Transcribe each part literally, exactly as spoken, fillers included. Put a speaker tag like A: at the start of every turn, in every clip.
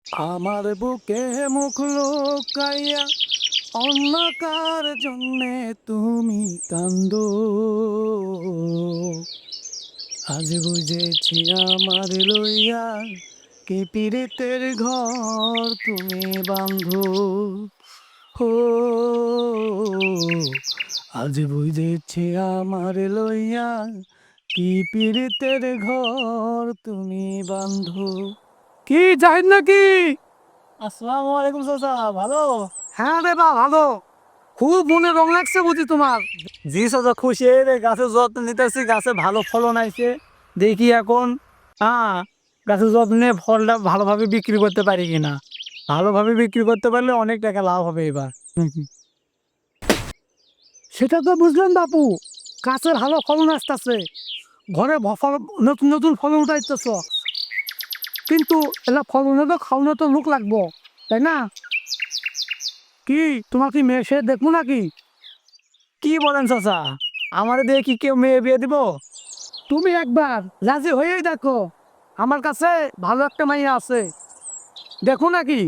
A: আমার বুকে মুখ লুকাইয়া অন্য কার জন্যে তুমি কান্দো, আজ বুঝেছি আমার লইয়া কি পীড়িতের ঘর তুমি বাঁধো। হো, আজ বুঝেছি আমার লইয়া কি পীড়িতের ঘর তুমি বাঁধো। কি জাহিদ নাকি? আসসালামু আলাইকুম চাচা, ভালো? হ্যাঁ রে বা ভালো। খুব মনে রং লাগছে বুঝি তোমার? জি চাচা, খুশি রে, গাছের যত্ন নিতেছি, গাছে ভালো ফলন আইছে। দেখি এখন হ্যাঁ গাছের যত্নে ফলটা ভালোভাবে বিক্রি করতে পারি কিনা। ভালোভাবে বিক্রি করতে পারলে অনেক টাকা লাভ হবে এবার। সেটা তো বুঝলেন বাপু, গাছের ভালো ফলন আসতেছে, ঘরে ভ- ফল- নতুন নতুন ফলন উঠাইতেছ, কিন্তু এলা ফলনে তো খাওয়ানো তো লোক লাগবো, তাই না? কি তোমার কি মেয়ে সে দেখবো নাকি? কি বলেন চাচা, আমার দিয়ে কি কেউ মেয়ে বিয়ে দিব? তুমি একবার রাজি হয়েই দেখো, আমার কাছে ভালো একটা মাইয়া আছে, দেখো নাকি?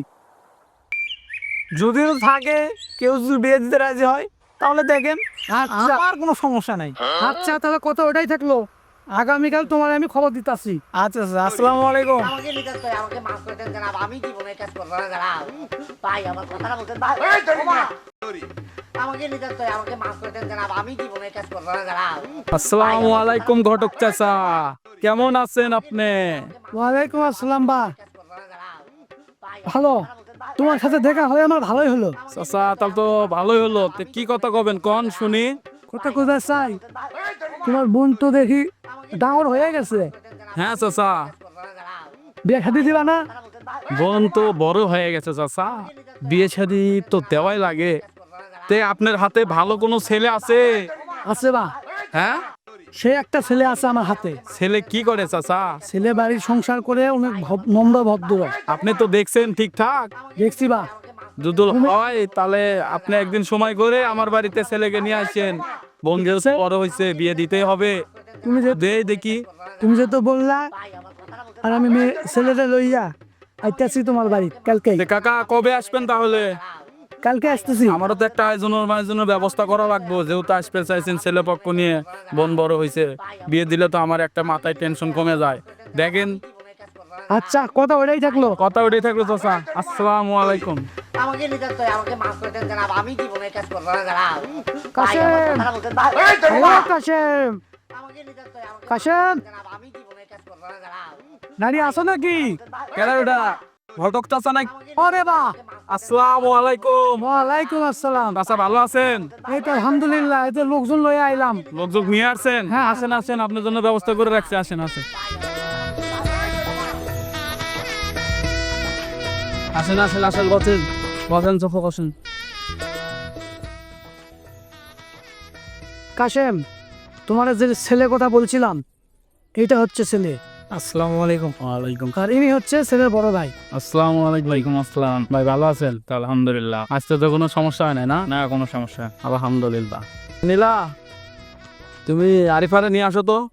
A: যদিও থাকে, কেউ যদি বিয়ে দিতে রাজি হয় তাহলে দেখেন,
B: আচ্ছা
A: আমার কোনো সমস্যা নাই। আচ্ছা তাহলে কথা ওটাই থাকলো, আগামীকাল তোমার আমি খবর দিতাছি। আচ্ছা আচ্ছা, আসসালামু আলাইকুম।
B: আমাকে নিকাজ করে আমাকে মাফ করে দেন জানাব, আমি জীবনে এই কাজ করবো না জানাব। ভাই আমার কথাটা বলতেন ভাই, ওমা! আমাকে নিকাজ করে আমাকে মাফ করে দেন জানাব, আমি জীবনে এই কাজ করবো না জানাব।
C: আসসালামু আলাইকুম ঘটক চাচা, কেমন আছেন আপনি?
A: ওয়ালাইকুম আসসালাম বা, ভালো। তোমার সাথে দেখা হয়ে আমার ভালোই হলো।
C: চাচা তাহলে তো ভালোই হলো, তো কি কথা কবেন কন শুনি।
A: কথা কোথায় চাই, তোমার বোন তো দেখি ডাঙর হয়ে গেছে,
C: হ্যাঁ চাচা,
A: বিয়ে শাদি দিবা না?
C: বোন তো বড় হয়ে গেছে চাচা, বিয়ে শাদি তো দেওয়াই লাগে। তে আপনার হাতে ভালো কোনো ছেলে আছে?
A: আছে বা,
C: হ্যাঁ,
A: সে একটা ছেলে আছে আমার হাতে।
C: ছেলে কি করে চাচা?
A: ছেলে বাড়ির সংসার করে অনেক ভব- নম্র ভদ্র।
C: আপনি তো দেখছেন ঠিকঠাক,
A: দেখছি বা,
C: দুদুল হয় তাহলে আপনি একদিন সময় করে আমার বাড়িতে ছেলেকে নিয়ে আসেন। বোন যেহেতু বড় হয়েছে, বিয়ে দিতেই হবে।
A: তুমি যে
C: দে দেখি।
A: তুমি যে তো বললা, আর আমি মেয়ে ছেলেটা লইয়া আইতাছি তোমার বাড়ি কালকে।
C: তে কাকা কবে আসবেন তাহলে?
A: কালকে আসতেছি।
C: আমারও তো একটা আয়োজনের মায়োজনের ব্যবস্থা করা লাগবে, যেহেতু আসতে চাইছেন ছেলে পক্ষ নিয়ে, বোন বড় হয়েছে, বিয়ে দিলে তো আমার একটা মাথায় টেনশন কমে যায়। দেখেন,
A: আচ্ছা কথা ওটাই থাকলো।
C: কথা উঠে থাকলো চাচা। আসসালামু আলাইকুম।
B: আমাকে নিকাজ করে আমাকে মাফ করে দেন জানাব, আমি জীবনে এই কাজ করবো না জানাব। ভাই
A: কাশেম,
B: আমার কথাটা বলতেন ভাই,
A: হ্যালো কাশেম,
B: আমাকে নিকাজ করে আমাকে
A: কাশেম,
B: জানাব, আমি জীবনে এই কাজ করবো না জানাব।
A: নারী আসো নাকি?
C: কেডা ওটা? ঘটক চাচা নাই?
A: ওরে বা,
C: আসসালামু আলাইকুম।
A: ওয়ালাইকুম আসসালাম।
C: চাচা ভালো আছেন?
A: এই তো আলহামদুলিল্লাহ, এই তো লোকজন লইয়া আইলাম।
C: লোকজন নিয়ে আসছেন? হ্যাঁ আসেন আসেন, আপনার জন্য ব্যবস্থা করে রাখছি, আসেন আসেন আসেন আসেন আসেন, বসেন বসেন, চোখ বসেন।
A: কাশেম, তোমার যে ছেলে কথা বলছিলাম, এইটা হচ্ছে ছেলে।
C: আসসালামু আলাইকুম। ওয়ালাইকুম।
A: আর ইনি হচ্ছে ছেলের বড় ভাই।
C: আসসালামু আলাইকুম। ওয়ালাইকুম আসসালাম। ভাই ভালো আছেন? তো আলহামদুলিল্লাহ। আজকে তো কোনো সমস্যা হয় না? না না, কোনো সমস্যা, আলহামদুলিল্লাহ। নীলা, তুমি আরিফারে নিয়ে আসো তো।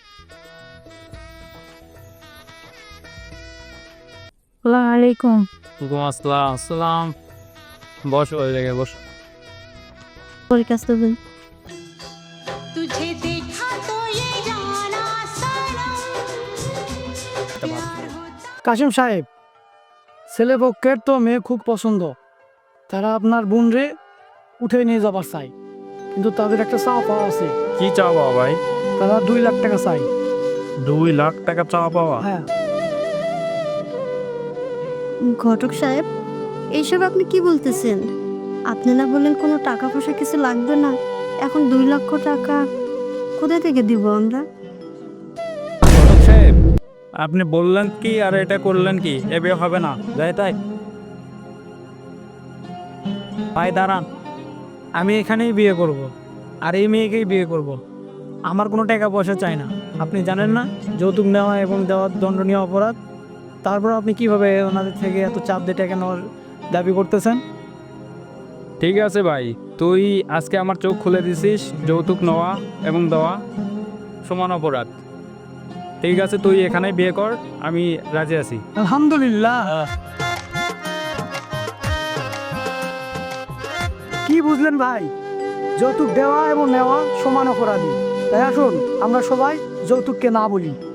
D: ওয়ালাইকুম।
C: ওয়ালাইকুম আসসালাম। আসসালাম, বসো, ওই জায়গায় বসো।
D: পরীক্ষা দেবেন।
E: तुझे देखा तो ये जाना सनम प्यार होता
A: কাশেম সাহেব, ছেলে পক্ষের তো মেয়ে খুব পছন্দ, তারা আপনার বোন রে উঠে নিয়ে যাবার চাই, কিন্তু তাদের একটা চাওয়া পাওয়া আছে।
C: কি চাও পাওয়া ভাই?
A: তারা দুই লাখ টাকা চাই।
C: দুই লাখ টাকা চাওয়া পাওয়া?
A: হ্যাঁ,
D: ঘটক সাহেব, এইসব আপনি কি বলতেছেন? আপনি না বললেন কোনো টাকা পয়সা কিছু লাগবে না, এখন দুই লক্ষ টাকা কোথা থেকে দিব আমরা?
C: ঘটক সাহেব, আপনি বললেন কি আর এটা করলেন কি? এ বিয়ে হবে না, যাই তাই।
A: ভাই দাঁড়ান, আমি এখানেই বিয়ে করব, আর এই মেয়েকেই বিয়ে করব। আমার কোনো টাকা পয়সা চাই না। আপনি জানেন না যৌতুক নেওয়া এবং দেওয়ার দণ্ডনীয় অপরাধ? তারপর আপনি কিভাবে ওনাদের থেকে এত চাপ দিয়ে টাকা নেওয়ার দাবি করতেছেন?
C: ঠিক আছে ভাই, তুই আজকে আমার চোখ খুলে দিছিস, যৌতুক নেওয়া এবং দেওয়া সমান অপরাধ। ঠিক আছে, তুই এখানে বিয়ে কর, আমি রাজি আছি।
A: আলহামদুলিল্লাহ। কি বুঝলেন ভাই? যৌতুক দেওয়া এবং নেওয়া সমান অপরাধী। তাই আসুন আমরা সবাই যৌতুককে না বলি।